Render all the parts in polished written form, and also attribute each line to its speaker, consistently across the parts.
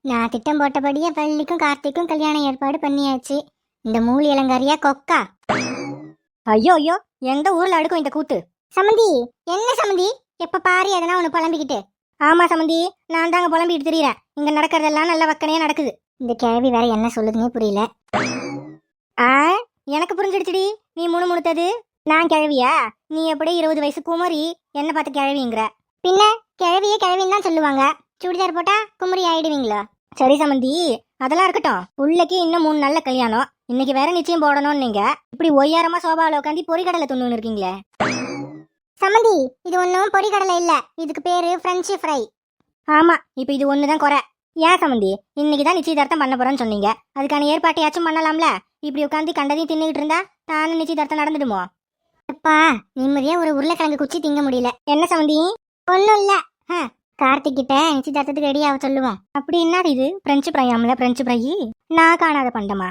Speaker 1: நான் திட்டம் போட்டபடியே வள்ளிக்கும் கார்த்திக்கும் கல்யாணம் ஏற்பாடு பண்ணியாச்சு. இந்த மூலி இளங்காரியா கொக்கா.
Speaker 2: ஐயோ ஐயோ, எந்த ஊர்ல அடுக்கும் இந்த கூத்து?
Speaker 1: சமந்தி, என்ன சமந்தி எப்ப பாரு எதனா ஒண்ணு புலம்பிக்கிட்டு?
Speaker 2: ஆமா சமந்தி, நான் தாங்க புலம்பிட்டு திரியறேன். இங்க நடக்கிறதெல்லாம் நல்ல வக்கனையா நடக்குது.
Speaker 1: இந்த கேள்வி வேற என்ன சொல்லுதுன்னே புரியல.
Speaker 2: ஆ, எனக்கு புரிஞ்சிடுச்சுடி. நீ முணுமுணுத்தது நான் கிழவியா? நீ எப்படி 20 வயசு குமரி என்ன பார்த்து கிழவிங்கிற?
Speaker 1: பின்ன கிழவியே கிழவின்னு தான் சொல்லுவாங்க. சுடிதார் போட்டா குமரி ஆயிடுவீங்களா?
Speaker 2: சரி சமந்தி, அதெல்லாம் இருக்கட்டும். உள்ளக்கு இன்னும் 3 நாள்ல கல்யாணம். இன்னைக்கு வேற நிச்சயம் போடணும்னு நீங்க இப்படி ஒய்யாரமா சோபாவில் உட்காந்து பொறிக்கடலை துண்ணுன்னு இருக்கீங்களே.
Speaker 1: சமந்தி, இது ஒன்றும் பொரிக்கடலை இல்ல, இதுக்கு பேரு பிரெஞ்சு ஃப்ரை.
Speaker 2: ஆமா, இப்ப இது ஒண்ணுதான் குறை. ஏன் சமந்தி, இன்னைக்கு தான் நிச்சயதார்த்தம் பண்ண போறேன்னு சொன்னீங்க. அதுக்கான ஏற்பாட்டையாச்சும் பண்ணலாம்ல. இப்படி உட்காந்து கண்டதையும் தின்னுகிட்டு இருந்தா தானே நிச்சயதார்த்தம் நடந்துடுமோ?
Speaker 1: அப்பா, நிம்மதியா ஒரு உருளைக்கிழங்கு குச்சி திங்க முடியல.
Speaker 2: என்ன சமந்தி?
Speaker 1: ஒன்றும் இல்ல. கார்த்திக் கிட்ட நிச்சயதார்த்தத்துக்கு ரெடி ஆக சொல்லுவோம்.
Speaker 2: அப்படி என்னடி இது? பிரெஞ்சு ஃப்ரையாமல? பிரெஞ்சு ஃப்ரை நான் காணாத பண்டமா?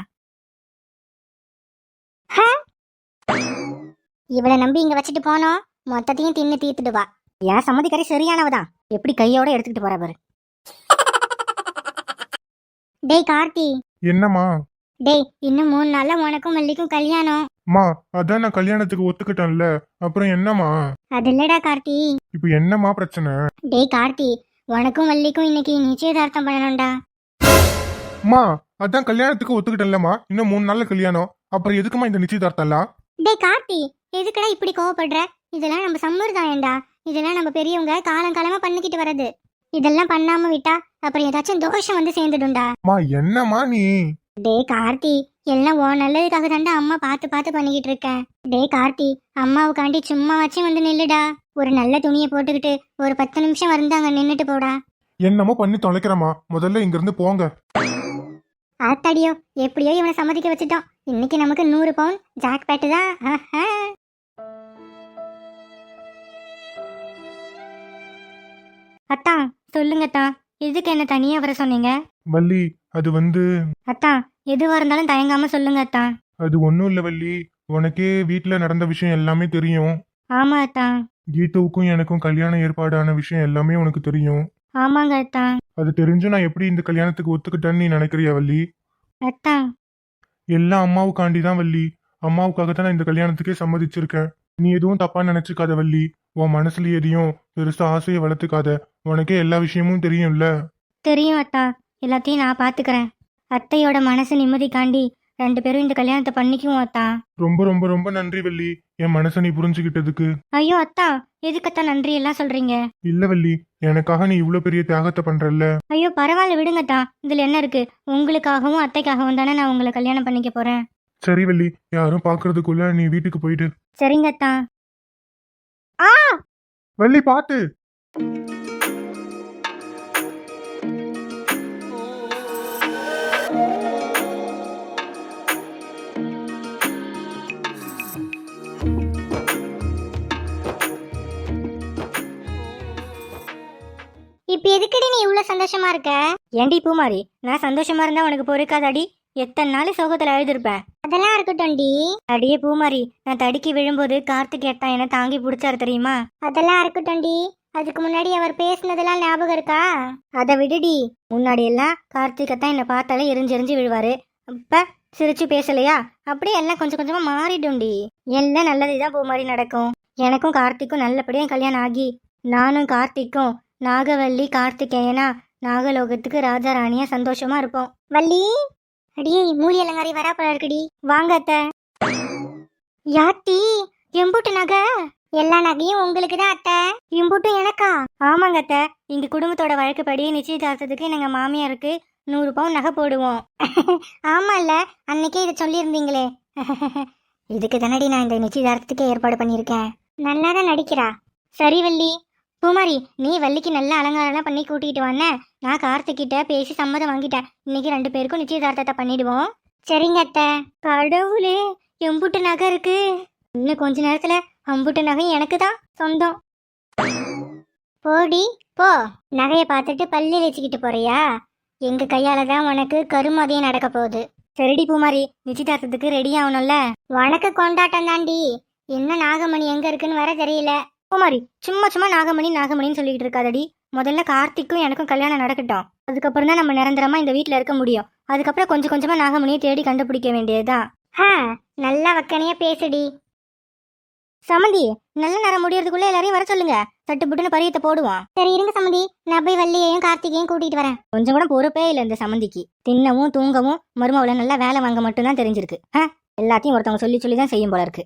Speaker 1: இவளை நம்பி இங்க வச்சுட்டு போனோம், மொத்தத்தையும் தின்னு தீர்த்துடுவா.
Speaker 2: ஏன் சம்மதிக்காரி சரியானவதான். எப்படி கையோட எடுத்துக்கிட்டு போற பாரு.
Speaker 1: டேய் கார்த்தி.
Speaker 3: என்னம்மா?
Speaker 1: டேய், இன்னும் 3 நாள்ல உனக்கும் வள்ளிக்கும் கல்யாணம்.
Speaker 3: மா, அதான் நான் கல்யாணத்துக்கு ஒத்துக்கிட்டேன்ல, அப்புறம் என்னம்மா?
Speaker 1: அது இல்லடா கார்த்தி.
Speaker 3: இப்போ என்னம்மா பிரச்சனை?
Speaker 1: டேய் கார்த்தி, உனக்கும் வள்ளிக்கும் இன்னைக்கு நிச்சயதார்த்தம் பண்ணணும்டா.
Speaker 3: மா, அதான் கல்யாணத்துக்கு ஒத்துக்கிட்டேன்லம்மா, இன்னும் 3 நாள்ல கல்யாணம். அப்புறம் எதுக்குமா இந்த நிச்சயதார்த்தம்லாம்?
Speaker 1: டேய் கார்த்தி, எதுக்குடா இப்படி கோவப்படுற? இதெல்லாம் நம்ம சம்பிரதாயம்டா. இதெல்லாம் நம்ம பெரியவங்க காலங்காலமா பண்ணிக்கிட்டு வர்றது. இதெல்லாம் பண்ணாம விட்டா அப்புறம் ஏதாச்சும் தோஷம் வந்து சேர்ந்துடும்டா.
Speaker 3: மா, என்னம்மா நீ?
Speaker 1: டேய் கார்த்தி, எல்லாம் உன் நல்லதுக்காக தாண்டா அம்மா பார்த்து பார்த்து பண்ணிக்கிட்டு இருக்கேன். டேய் கார்த்தி, அம்மாவுக்காண்டி சும்மா வச்சு வந்து நில்லுடா. ஒரு நல்ல துணியை போட்டுக்கிட்டு ஒரு 10 நிமிஷம் வந்து அங்க நின்னுட்டு போடா.
Speaker 3: என்னமோ பண்ணி தொலைக்கிறமா, முதல்ல இங்க இருந்து போங்க.
Speaker 1: ஆத்தாடியோ, எப்படியோ இவனை சம்மதிக்க வச்சுட்டோம். இன்னைக்கு நமக்கு 100 பவுன் ஜாக் பேட்டு தான்.
Speaker 2: அத்தா, சொல்லுங்கத்தா. எதுக்கு என்ன தனியா வர சொன்னீங்க?
Speaker 3: வள்ளி, அது வந்து
Speaker 2: அத்தா, எதுவா இருந்தாலும் தயங்காம சொல்லுங்க அத்தா.
Speaker 3: அது ஒன்றும் இல்லை வள்ளி, உனக்கே வீட்டில் நடந்த விஷயம் எல்லாமே தெரியும்.
Speaker 2: ஆமா அத்தா.
Speaker 3: கீதாவுக்கும் எனக்கும் கல்யாணம் ஏற்பாடான விஷயம் எல்லாமே உனக்கு தெரியும்.
Speaker 2: ஆமாங்க அத்தா.
Speaker 3: அது தெரிஞ்சு நான் எப்படி இந்த கல்யாணத்துக்கு ஒத்துக்கிட்டேன்னு நீ நினைக்கிறியா வள்ளி?
Speaker 2: அத்தா,
Speaker 3: எல்லாம் அம்மாவுக்காண்டி தான் வள்ளி. அம்மாவுக்காக தான் நான் இந்த கல்யாணத்துக்கே சம்மதிச்சிருக்கேன். நீ எதுவும் தப்பா நினைச்சுக்காத வள்ளி. உன் மனசுல எதையும் பெருசா ஆசையை வளர்த்துக்காத. உனக்கே எல்லா விஷயமும் தெரியும்ல.
Speaker 2: தெரியும் அத்தா. எல்லாத்தையும் நான் பாத்துக்கிறேன். அத்தையோட மனசு நிம்மதிக்காண்டி 2 பேரும் இந்த கல்யாணத்தை பண்ணிக்குவோம் அத்தா.
Speaker 3: ரொம்ப ரொம்ப ரொம்ப நன்றி வள்ளி, என் மனசை நீ புரிஞ்சுக்கிட்டதுக்கு.
Speaker 2: ஐயோ அத்தா, எதுக்கத்தா நன்றி எல்லாம் சொல்றீங்க?
Speaker 3: இல்ல வள்ளி, எனக்காக நீ இவ்வளவு பெரிய தியாகத்தை பண்றல்ல.
Speaker 2: ஐயோ பரவாயில்ல, விடுங்கத்தா. இதுல என்ன இருக்கு? உங்களுக்காகவும் அத்தைக்காகவும் தானே நான் உங்களை கல்யாணம் பண்ணிக்க போறேன்.
Speaker 3: சரி வள்ளி, யாரும் பாக்குறதுக்குள்ள நீ வீட்டுக்கு போயிடு.
Speaker 2: சரிங்க அத்தா.
Speaker 3: வள்ளி பாத்து.
Speaker 1: இப்ப எதுக்கடி நீ இவ்வளவு சந்தோஷமா இருக்க?
Speaker 2: ஏண்டி பூமாரி, நான் சந்தோஷமா இருந்தா உனக்கு பொறுக்காதாடி? எத்தனை நாள் சோகத்துல அழுதுருப்பேன்.
Speaker 1: அதெல்லாம் இருக்கட்டும்டி.
Speaker 2: அடியே பூமாரி, நான் தடுக்கி விழும்போது கார்த்திக் ஏட்டா என்ன தாங்கி பிடிச்சாரு தெரியுமா?
Speaker 1: அதெல்லாம் இருக்கட்டும்டி. அதுக்கு முன்னாடி அவர் பேசுனதெல்லாம் ஞாபகம் இருக்கா?
Speaker 2: அதை விடுடி. முன்னாடி எல்லாம் கார்த்திகத்தான் என்ன பார்த்தாலே எரிஞ்செரிஞ்சு விழுவாரு. அப்ப சிரிச்சு பேசலையா? அப்படியே எல்லாம் கொஞ்சம் கொஞ்சமா மாறிடும்டி. எல்லாம் நல்லதுதான் பூமாரி நடக்கும். எனக்கும் கார்த்திக்கும் நல்லபடியா கல்யாணம் ஆகி நானும் கார்த்திக்கும் நாகவல்லி கார்த்திகேயனா நாகலோகத்துக்கு ராஜா ராணியா சந்தோஷமா இருப்போம்.
Speaker 1: வள்ளி, அடியே மூலி அலங்காரி வரா போல இருக்குடி.
Speaker 2: வாங்க அத்தை.
Speaker 1: யாத்தி, எம்புட்டு நகை? எல்லா நகையும் உங்களுக்கு தான் அத்தை.
Speaker 2: இம்புட்டும் எனக்கா? ஆமாங்க அத்தை. எங்க குடும்பத்தோட வழக்குப்படி நிச்சயதார்த்தத்துக்கு எங்க மாமியாருக்கு 100 பவுன் நகை போடுவோம்.
Speaker 1: ஆமால, அன்னைக்கே இதை சொல்லியிருந்தீங்களே.
Speaker 2: இதுக்கு தானடி நான் இந்த நிச்சயதார்த்தத்துக்கு ஏற்பாடு பண்ணியிருக்கேன்.
Speaker 1: நல்லாதான் நடிக்கிறா.
Speaker 2: சரி வள்ளி. பூமாரி, நீ வள்ளிக்கு நல்ல அலங்காரம்லாம் பண்ணி கூட்டிகிட்டு வானே. நான் கார்த்திகிட்ட பேசி சம்மதம் வாங்கிட்டேன். இன்னைக்கு 2 பேருக்கும் நிச்சயதார்த்தத்தை பண்ணிடுவோம்.
Speaker 1: சரிங்க அத்தை.
Speaker 2: கடவுளே, எம்புட்டு நகை இருக்கு. இன்னும் கொஞ்ச நேரத்துல அம்புட்டு நகை எனக்கு தான் சொந்தம்.
Speaker 1: போடி போ. நகையை பார்த்துட்டு பள்ளி வச்சுக்கிட்டு போறியா? எங்க கையால தான் உனக்கு கருமதியம் நடக்க போகுது.
Speaker 2: சரிடி பூமாரி, நிச்சயதார்த்தத்துக்கு ரெடி ஆகணும்ல.
Speaker 1: உனக்கு கொண்டாட்டம் தாண்டி. இன்னும் நாகமணி எங்க இருக்குன்னு வர தெரியல.
Speaker 2: பூமாரி, சும்மா சும்மா நாகமணி நாகமணின்னு சொல்லிக்கிட்டு இருக்காதடி. முதல்ல கார்த்திக்கும் எனக்கும் கல்யாணம் நடக்கட்டும். அதுக்கப்புறம் தான் நம்ம நிரந்தரமா இந்த வீட்ல இருக்க முடியும். அதுக்கப்புறம் கொஞ்சம் கொஞ்சமா நாகமணியை தேடி கண்டுபிடிக்க வேண்டியதுதான்.
Speaker 1: நல்லா வக்கனையா பேசுடி.
Speaker 2: சமந்தி, நல்ல நேரம் முடியறதுக்குள்ள எல்லாரையும் வர சொல்லுங்க. சட்டுப்புட்டுன்னு பரியத்தை போடுவோம்.
Speaker 1: சரி இருங்க சம்மந்தி, நான் போய் வள்ளியையும் கார்த்திகையும் கூட்டிட்டு வரேன்.
Speaker 2: கொஞ்சம் கூட பொறுப்பே இல்லை இந்த சமந்திக்கு. தின்னவும் தூங்கவும் மருமவளை நல்லா வேலை வாங்க மட்டும்தான் தெரிஞ்சிருக்கு. எல்லாத்தையும் ஒருத்தவங்க சொல்லி சொல்லி தான் செய்யும் போல இருக்கு.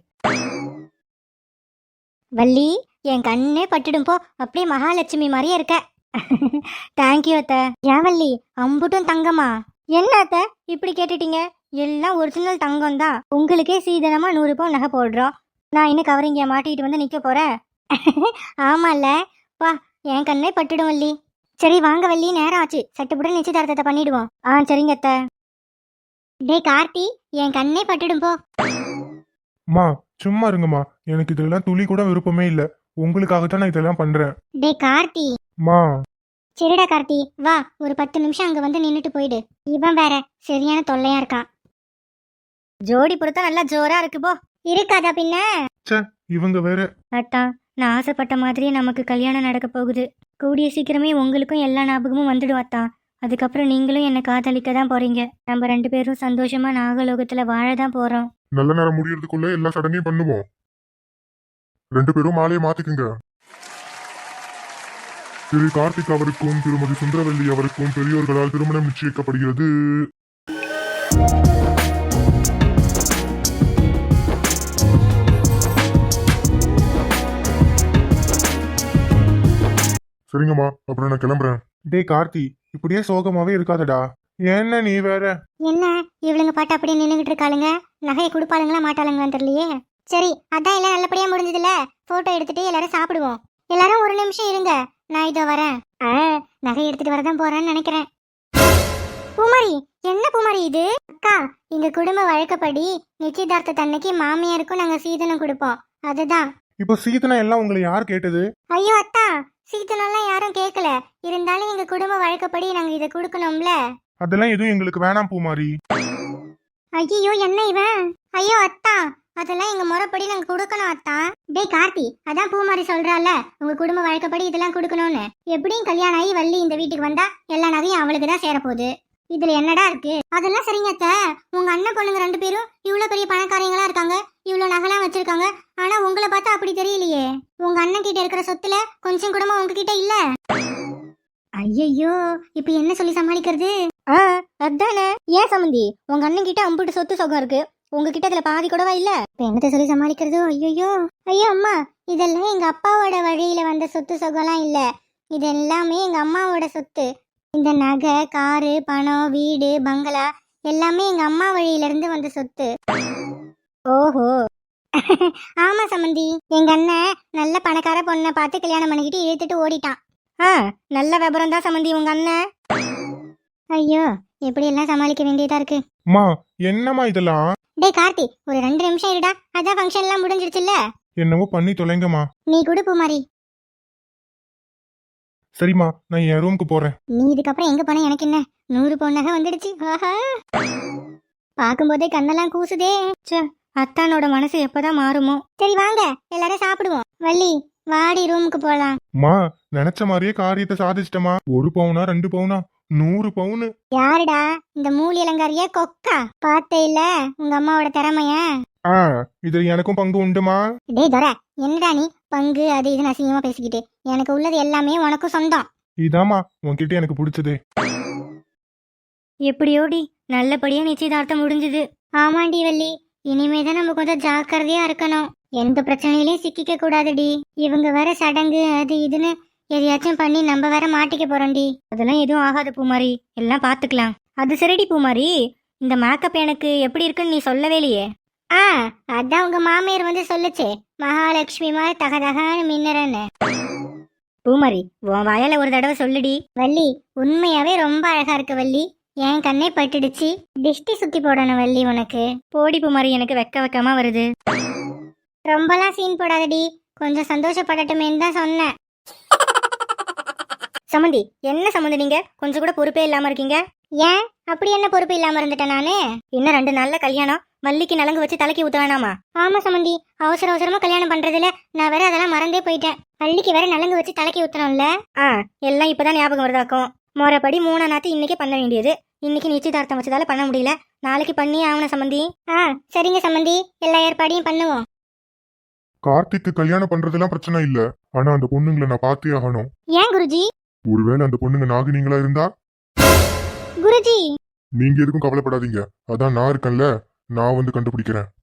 Speaker 2: வள்ளி, என் கண்ணே பட்டுடும் போ. அப்படியே மகாலட்சுமி மாதிரியே இருக்க. தேங்க்யூ அத்தை. ஏன் வள்ளி, அம்புட்டும் தங்கமா? என்ன அத்தை இப்படி கேட்டுட்டீங்க? எல்லாம் ஒரிஜினல் தங்கம் தான். உங்களுக்கே சீதனமா 100 பவுன் நகை போடுறோம். நான் இன்னும் கவரிங்க மாட்டிக்கிட்டு வந்து நிக்க போறேன்.
Speaker 1: ஆமால வா, என் கண்ணே பட்டுடும் வள்ளி. சரி வாங்க வள்ளி, நேரம் ஆச்சு. சட்டுப்புடன் நிச்சயதார்த்தத்தை பண்ணிடுவோம்.
Speaker 2: சரிங்க அத்தை.
Speaker 1: டேய் கார்த்தி, என் கண்ணே பட்டுடும் போ.
Speaker 3: மா சும்மா இருங்கம்மா, எனக்கு இதெல்லாம் துளி கூட விருப்பமே இல்ல. உங்களுக்காகத்தான் நான் இதெல்லாம் பண்றேன்.
Speaker 1: டேய் கார்த்தி.
Speaker 3: மா
Speaker 1: சரிடா கார்த்தி, வா ஒரு 10 நிமிஷம் அங்க வந்து நின்னுட்டு போயிடு. இவன் வேற சரியான தொல்லையா இருக்கான்.
Speaker 2: ஜோடி பொறுத்தா நல்லா ஜோரா இருக்கு போ.
Speaker 1: இருக்காதா பின்ன?
Speaker 3: இவங்க வேற.
Speaker 2: அத்தா, நான் ஆசைப்பட்ட மாதிரியே நமக்கு கல்யாணம் நடக்க போகுது. கூடிய சீக்கிரமே உங்களுக்கும் எல்லா ஞாபகமும் வந்துடும் அத்தா. அதுக்கப்புறம் நீங்களும் என்னை காதலிக்க தான் போறீங்க. நம்ம 2 பேரும் சந்தோஷமா நாகலோகத்துல வாழ தான் போறோம்.
Speaker 3: நல்ல நேரம் முடியறதுக்குள்ள எல்லா சடங்கையும் பண்ணுவோம். 2 பேரும் மாலையை மாத்திக்குங்க. திரு கார்த்திக் அவருக்கும் திருமதி சுந்தரவல்லி அவருக்கும் பெரியோர்களால் திருமணம் நிச்சயிக்கப்படுகிறது. சரிங்கம்மா, அப்புறம் நான் கிளம்புறேன். டேய் கார்த்தி, இப்படியே சோகமாவே இருக்காதடா. என்ன நீ வேற?
Speaker 1: என்ன இவளுங்க பாட்டு அப்படியே நின்னுகிட்டு இருக்காளுங்க? நகையை கொடுப்பாளுங்களா மாட்டாளுங்களான்னு தெரியலையே. சரி அதான் எல்லாம் நல்லபடியா முடிஞ்சதுல. போட்டோ எடுத்துட்டு எல்லாரும் சாப்பிடுவோம். எல்லாரும் ஒரு நிமிஷம் இருங்க, நான் இதோ வரேன். நகை எடுத்துட்டு வரதான் போறேன்னு நினைக்கிறேன். பூமாரி, என்ன பூமாரி இது? அக்கா, எங்க குடும்ப வழக்கப்படி நிச்சயதார்த்த தன்னைக்கு மாமியாருக்கும் நாங்க சீதனம் கொடுப்போம். அதுதான்.
Speaker 3: இப்போ சீதனம் எல்லாம் உங்களை யார் கேட்டது?
Speaker 1: ஐயோ அத்தா, சீதனம்லாம் யாரும் கேட்கல. இருந்தாலும் எங்க குடும்ப வழக்கப்படி நாங்க இதை கொடுக்கணும்ல.
Speaker 3: அதெல்லாம் எதுவும் எங்களுக்கு வேணாம் பூமாரி.
Speaker 1: ஐயோ என்ன இவன்? ஐயோ அத்தா, அதெல்லாம் எங்க முறைப்படி நாங்க கொடுக்கணும் அத்தா. டேய் கார்த்தி, அதான் பூமாரி சொல்றால உங்க குடும்ப வழக்கப்படி இதெல்லாம் கொடுக்கணும்னு. எப்படியும் கல்யாணம் ஆகி வள்ளி இந்த வீட்டுக்கு வந்தா எல்லா நகையும் அவளுக்கு தான் சேரப்போகுது. இதுல என்னடா இருக்கு? அதெல்லாம் சரிங்க அத்தை. உங்க அண்ணன் பொண்ணுங்க 2 பேரும் இவ்வளவு பெரிய பணக்காரங்களா இருக்காங்க, இவ்வளவு நகைலாம் வச்சிருக்காங்க. ஆனா உங்களை பார்த்தா அப்படி தெரியலையே. உங்க அண்ணன் கிட்ட இருக்கிற சொத்துல கொஞ்சம் கூடமா உங்ககிட்ட இல்ல. ஐயோ, இப்ப என்ன சொல்லி சமாளிக்கிறது?
Speaker 2: அதானே. ஏன் சமந்தி, உங்க அண்ணன் கிட்ட அம்புட்டு சொத்து சொகம் இருக்கு, உங்ககிட்ட இதுல பாதி கூடவா இல்ல?
Speaker 1: இப்ப என்னத்த சொல்லி சமாளிக்கிறது? ஐயோ ஐயோ அம்மா, இதெல்லாம் எங்க அப்பாவோட வழியில வந்த சொத்து சொகம்லாம் இல்ல. இது எல்லாமே எங்க அம்மாவோட சொத்து. இந்த நகை, காரு, பணம், வீடு, பங்களா எல்லாமே எங்க அம்மா வழியில இருந்து வந்த சொத்து.
Speaker 2: ஓஹோ.
Speaker 1: ஆமா சமந்தி, எங்க அண்ணன் நல்ல பணக்கார பொண்ணை பார்த்து கல்யாணம் பண்ணிக்கிட்டு இழுத்துட்டு ஓடிட்டான்.
Speaker 2: நல்ல விபரம் தான் சமந்தி உங்க அண்ணன்.
Speaker 1: ஐயோ, எப்படி எல்லாம் சமாளிக்க வேண்டியதா இருக்கு.
Speaker 3: மா என்னம்மா இதெல்லாம்?
Speaker 1: டேய் கார்த்தி, ஒரு 2 நிமிஷம் இருடா. அதான் ஃபங்க்ஷன் எல்லாம் முடிஞ்சிடுச்சுல்ல.
Speaker 3: என்னவோ பண்ணி தொலைங்கம்மா.
Speaker 1: நீ குடு பூமாரி.
Speaker 3: சரிம்மா, நான் என் ரூமுக்கு போறேன்.
Speaker 1: நீ இதுக்கப்புறம் எங்க போன எனக்கு என்ன? 100 பவுன் நகை வந்துடுச்சு. ஆஹா, பாக்கும்போதே கண்ணெல்லாம் கூசுதே.
Speaker 2: அத்தானோட மனசு எப்பதான் மாறுமோ.
Speaker 1: சரி வாங்க எல்லாரும் சாப்பிடுவோம். வள்ளி, வாடி ரூமுக்கு போலாம்.
Speaker 3: மா நினைச்ச மாதிரியே காரியத்தை சாதிச்சிட்டமா. 1 பவுனா 2 பவுனா 100 பவுனு.
Speaker 1: யாருடா இந்த மூலி அலங்காரியா கொக்கா? பார்த்தே இல்ல உங்க அம்மாவோட திறமைய.
Speaker 3: இது எனக்கும் பங்கு உண்டுமா?
Speaker 1: டேய் தர, என்னடா நீ பங்கு அது இது அசிங்கமா பேசிக்கிட்டு? எனக்கு உள்ளது எல்லாமே உனக்கும் சொந்தம்.
Speaker 3: இதாமா உன்கிட்ட எனக்கு பிடிச்சது.
Speaker 2: எப்படியோடி நல்லபடியா நிச்சயதார்த்தம் முடிஞ்சது.
Speaker 1: ஆமாண்டி வள்ளி, இனிமேதான் நம்ம கொஞ்சம் ஜாக்கிரதையா இருக்கணும். எந்த பிரச்சனையிலயும் சிக்கிக்க கூடாதுடி. இவங்க வேற சடங்கு அது இதுன்னு எதையாச்சும் பண்ணி நம்ம வேற மாட்டிக்க போறோம்டி.
Speaker 2: அதெல்லாம் எதுவும் ஆகாது பூமாரி, எல்லாம் பாத்துக்கலாம். அது சரிடி பூமாரி, இந்த மேக்கப் எனக்கு எப்படி இருக்குன்னு நீ சொல்லவே இல்லையே.
Speaker 1: அதான் உங்க மாமியார் வந்து சொல்லுச்சு, மகாலட்சுமி மாதிரி தகதகான்னு மின்னறன்னு.
Speaker 2: பூமாரி, உன் வாயால ஒரு தடவை சொல்லுடி.
Speaker 1: வள்ளி, உண்மையாவே ரொம்ப அழகா இருக்கு வள்ளி. என் கண்ணே பட்டுடுச்சு. டிஷ்டி சுத்தி போடணும் வள்ளி உனக்கு.
Speaker 2: போடி பூமாரி, எனக்கு வெக்கமா வருது.
Speaker 1: ரொம்பலாம் சீன் போடாதடி, கொஞ்சம் சந்தோஷப்படட்டுமேன்னு தான் சொன்னேன்.
Speaker 2: சமந்தி, என்ன சம்மந்தி நீங்க கொஞ்சம் கூட பொறுப்பே இல்லாம இருக்கீங்க?
Speaker 1: ஏன் அப்படி என்ன பொறுப்பு இல்லாம இருந்துட்டேன் நானு?
Speaker 2: இன்னும் 2 நாள்ல கல்யாணம், வள்ளிக்கு நலங்கு வச்சு தலைக்கு ஊத்த வேணாமா?
Speaker 1: ஆமா சமந்தி, அவசர அவசரமா கல்யாணம் பண்றதுல நான் வேற அதெல்லாம் மறந்தே போயிட்டேன். வள்ளிக்கு வேற நலங்கு வச்சு தலைக்கு ஊத்தணும்ல.
Speaker 2: எல்லாம் இப்பதான் ஞாபகம் வருதாக்கும். முறைப்படி 3 நாத்து இன்னைக்கே பண்ண வேண்டியது. இன்னைக்கு நிச்சயதார்த்தம் வச்சதால பண்ண முடியல. நாளைக்கு பண்ணி ஆகணும் சம்மந்தி.
Speaker 1: ஆ சரிங்க சம்மந்தி, எல்லா ஏற்பாடையும் பண்ணுவோம்.
Speaker 3: கார்த்திக்கு கல்யாணம் பண்றதெல்லாம் பிரச்சனை இல்ல, ஆனா அந்த பொண்ணுங்களை நான் பார்த்தே ஆகணும்.
Speaker 1: ஏன் குருஜி?
Speaker 3: ஒருவேளை அந்த பொண்ணுங்க நாகினிங்களா இருந்தா
Speaker 1: குருஜி
Speaker 3: நீங்க எதுக்கும் கவலைப்படாதீங்க, அதான் நான் இருக்கேன்ல, நான் வந்து கண்டுபிடிக்கிறேன்.